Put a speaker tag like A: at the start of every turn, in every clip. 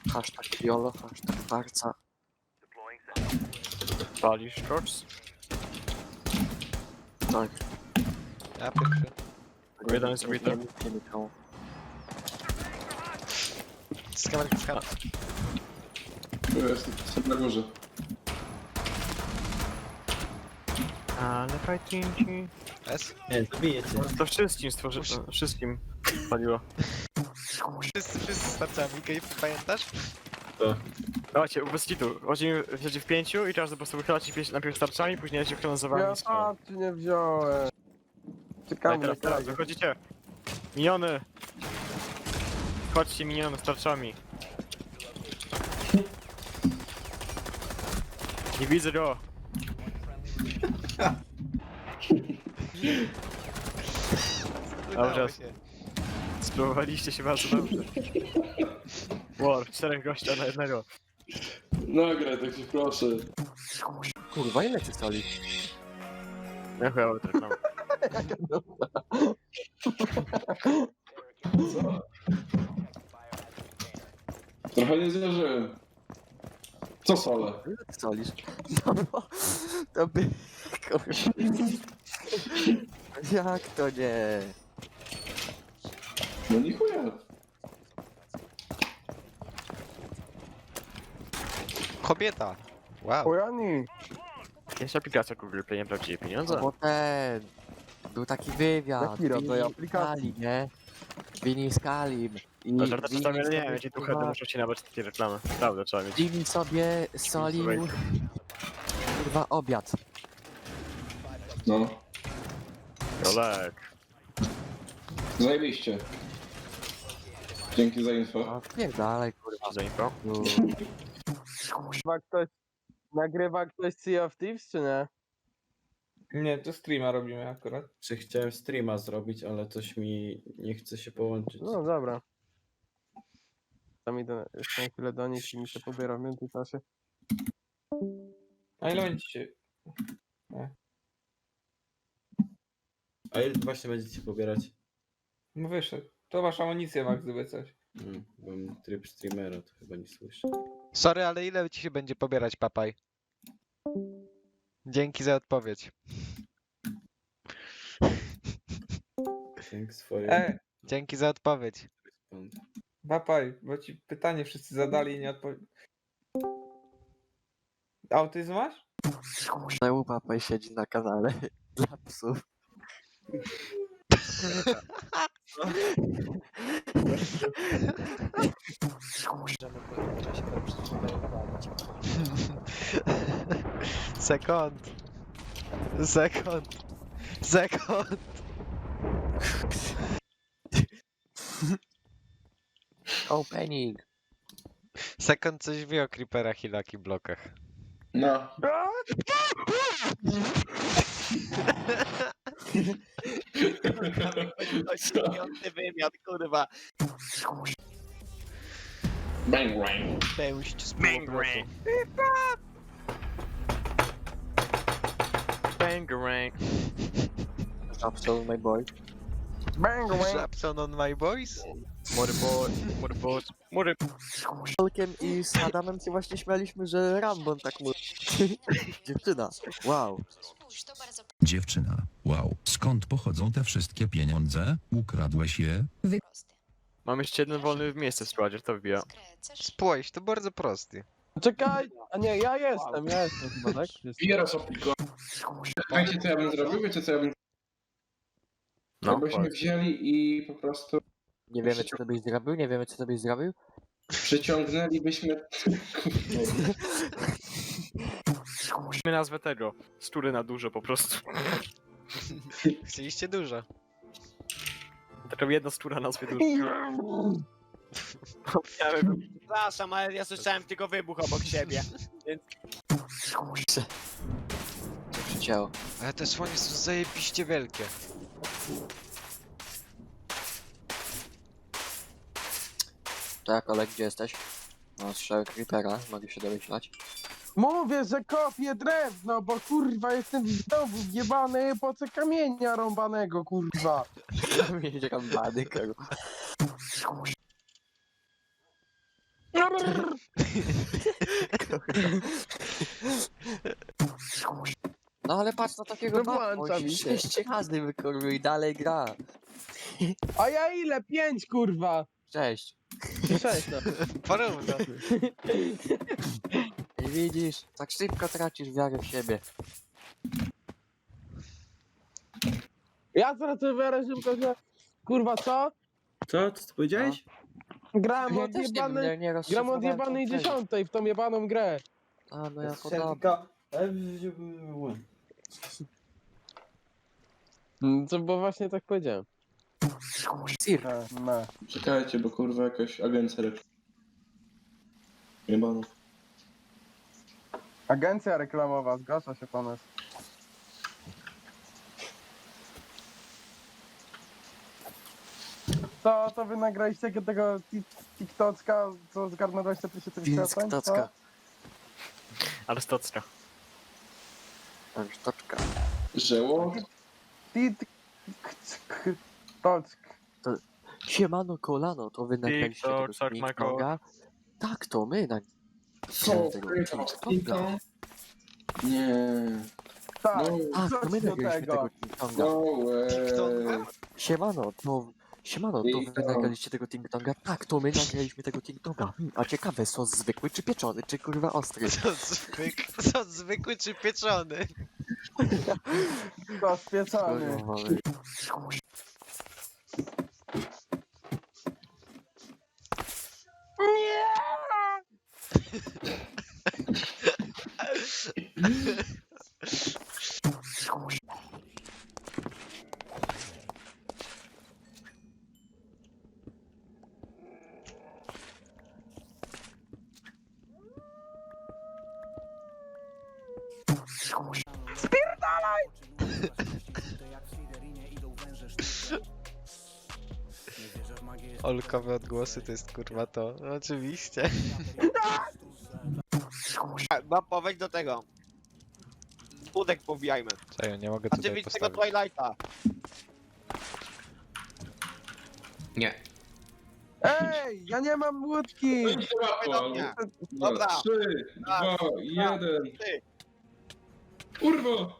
A: Hashtag YOLO, hashtag Barca.
B: Palisz shorts?
A: Tak.
C: Ja pierwszy.
B: Jeden jest ubity.
A: Nie miał.
C: Skamer.
D: Tu jest, jestem na górze.
B: Ale fajtinci.
C: S.
E: Nie, zabiję cię.
B: To wszystkim wszystkim paliło.
C: Wszyscy starczami, pamiętasz?
B: Dawajcie, bez kitu. Chodzimy w 5 i każdy po prostu wychylacie najpierw starczami, później się wchylą za wami.
F: Ja tarczy nie wziąłem. Czekamy na
B: Teraz,
F: kraju.
B: wychodzicie. Miniony! Chodźcie miniony starczami. Nie widzę go! Dobrze. Spróbowaliście się bardzo dobrze. War, 4 gościa na jednego.
D: Nagraj, tak się proszę.
A: Kurwa, ile ty soli?
B: Ja chyba wytryknął.
D: Co? Trochę nie zdarzyłem. Co solę?
A: Ile ty solisz? No, to by... Kurwa. Jak to nie?
D: No nie chuja.
C: Kobieta. Wow.
F: Ojani.
B: Jest aplikacja Google Play, nie prawdziwe pieniądze.
A: Bo ten... Był taki wywiad.
F: Jaki rodzaj
A: Vinny
F: aplikacji?
A: Scalim, nie? Vinny Scalim. I
B: To żarty
A: Vinny
B: tam nie
A: sobie,
B: wiem, jakie tu
A: kurwa,
B: heady muszą ci nawet takie reklamy. Prawda, trzeba mieć.
A: Jimmy sobie solił... Kurwa, obiad.
D: No.
B: Olek.
D: Zajebiście. Dzięki za info.
A: No, pierdalej, kurwa.
B: Za info.
A: No.
F: Nagrywa ktoś Sea of Thieves, czy nie?
G: Nie, to streama robimy akurat.
E: Czy chciałem streama zrobić, ale coś mi nie chce się połączyć.
F: No dobra. Tam idę jeszcze na chwilę do nich i mi się pobiera w międzyczasie.
G: A ile będziecie?
E: A ile właśnie będziecie pobierać?
G: No wyszedł. To masz amunicję, Max, gdyby coś.
E: Mam tryb streamera, to chyba nie słyszę.
C: Sorry, ale ile ci się będzie pobierać, papaj? Dzięki za odpowiedź.
E: Thanks for
C: Dzięki za odpowiedź.
E: response.
G: Papaj, bo ci pytanie wszyscy zadali i nie odpowiedzieli. Autyzm masz?
A: Znowu papaj siedzi na kanale dla psów.
C: Sekund. Sekund. Sekund.
A: Opening.
C: Sekund coś wie o creeperach i lucky blokach.
D: No.
C: Wymiar, kurwa.
D: Bang, bang.
C: Pełść z półobrotu.
B: Bangarang.
A: Absol, my boy.
F: Bang, bang.
C: Żabson on my boys?
B: Mury.
A: Tolkiem i z Adamem się właśnie śmialiśmy, że Rambon tak mówi. Dziewczyna. Wow.
H: Dziewczyna, wow, skąd pochodzą te wszystkie pieniądze? Ukradłeś je?
B: Mam jeszcze jeden wolny miejsce w składzie, to wbija.
C: Spójrz, to bardzo prosty.
F: Czekaj! A nie, ja jestem chyba, tak?
D: Bierasz aplikowanie. Wiecie co ja bym zrobił? Wiecie co ja bym...
B: No,
D: Jakbyśmy
B: powiedz.
D: wzięli i po prostu
A: Nie wiemy, co to byś zrobił, nie wiemy, co to byś zrobił.
D: przyciągnęlibyśmy...
B: My nazwę tego. Stury na dużo po prostu.
C: Chcieliście dużo.
B: Taką jedna stura nazwie dużo. Przepraszam, ale ja słyszałem tylko wybuch obok siebie.
A: Co się działo?
C: Ale te słonie są zajebiście wielkie.
A: Tak, ale gdzie jesteś? No, strzały creepera, mogę się domyślać.
F: Mówię, że kopię drewno, bo kurwa jestem w domu wjebany po co kamienia rąbanego, kurwa.
A: Mieć rambany, kurwa. No ale patrz na takiego
F: No
A: baba,
F: włącza
A: on
F: mi się.
A: 6 razy wykorzył i dalej gra.
F: A ja ile? 5 kurwa.
A: 6.
F: 6 no.
C: Porówno.
A: I widzisz, tak szybko tracisz wiarę w siebie.
F: Ja teraz sobie wiarę szybko, że... Kurwa co?
E: Co? Co ty powiedziałeś?
F: Gram
A: Ja
F: od
A: też nie wiem,
F: jebanej...
A: nie
F: Gram od
A: rozszyfrowałem
F: jebanej
A: tą treść.
F: 10 w tą jebaną grę.
A: A no ja
E: Chciałem
A: podobno.
E: tylko-
F: Co, bo właśnie tak powiedziałem.
A: Sir,
F: No.
D: Czekajcie, bo kurwa jakaś agencja reklam. Jebana.
F: Agencja reklamowa, zgłasza się pomysł. To wy nagraliście tego TikToka, co zgarnął 20 tysięcy wyświetleń? co?
A: TikToka.
B: Ale stocka.
A: Sztoczka.
D: Żeło?
F: TikTok.
A: Siemano kolano, to wy nagraliście tego
B: TikTok, tak,
A: TikToka? Tak, to my
D: Co?
A: nagraliśmy tego TikToka.
D: Nie.
F: Tak,
D: No,
A: Tak,
F: co
A: to my
F: ci do
A: nagraliśmy
F: tego?
A: tego TikToka.
D: no way.
A: Siemano, to wy
D: TikTok.
A: nagraliście tego TikToka? Tak, to my nagraliśmy tego TikToka. A ciekawe, sos zwykły czy pieczony, czy kurwa ostry?
C: Co zwykły czy pieczony?
F: To spieczony.
A: Kurwa, wy.
C: Olkowe odgłosy to jest kurwa to. No, oczywiście.
I: Mam powiedzieć do tego. Budek pobijajmy.
C: Czekaj, nie mogę
I: A ty
C: tutaj
I: widz tego
C: postawić.
I: Twilighta.
E: Nie.
F: Ej, ja nie mam łódki!
D: No i się łatwo, ale...
I: Nie. Dobra.
D: 3, 2, 1.
I: Ty.
D: Kurwa!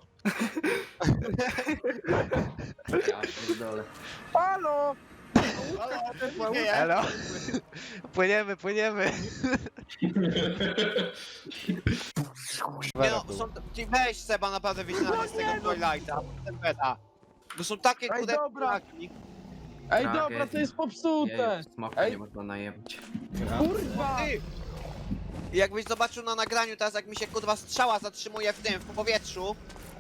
E: Ja pierdolę.
F: Halo!
I: Nie, ja.
C: Elo? Płyniemy.
I: Nie no, są, ty weź Seba naprawdę wycinanie z tego Twilighta. Ten beta. To są takie
F: Ej,
I: kurde
F: dobra.
I: ptaki.
F: Ej, dobra, to jest popsute!
E: Smoka
F: Ej.
E: nie można najebać.
F: Kurwa!
I: Ty. I jakbyś zobaczył na nagraniu teraz jak mi się kurwa strzała zatrzymuje w tym, w powietrzu.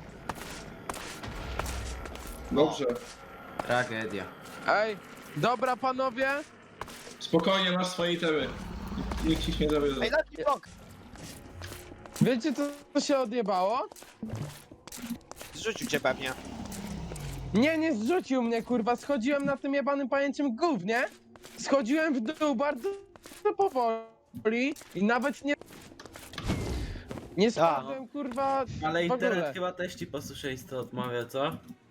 D: Dobrze.
E: Tragedia.
F: Ej, dobra panowie!
D: Spokojnie, masz swoje itemy. Nikt ci nie zawiedzie.
I: Ej, Lucky Block!
F: Wiecie co się odjebało?
I: Zrzucił cię pewnie.
F: Nie zrzucił mnie, kurwa, schodziłem na tym jebanym pajęciem gównie. Schodziłem w dół bardzo powoli i nawet nie spadłem, kurwa,
E: Ale
F: w ogóle.
E: internet chyba też ci posłuszeństwo odmawia, co?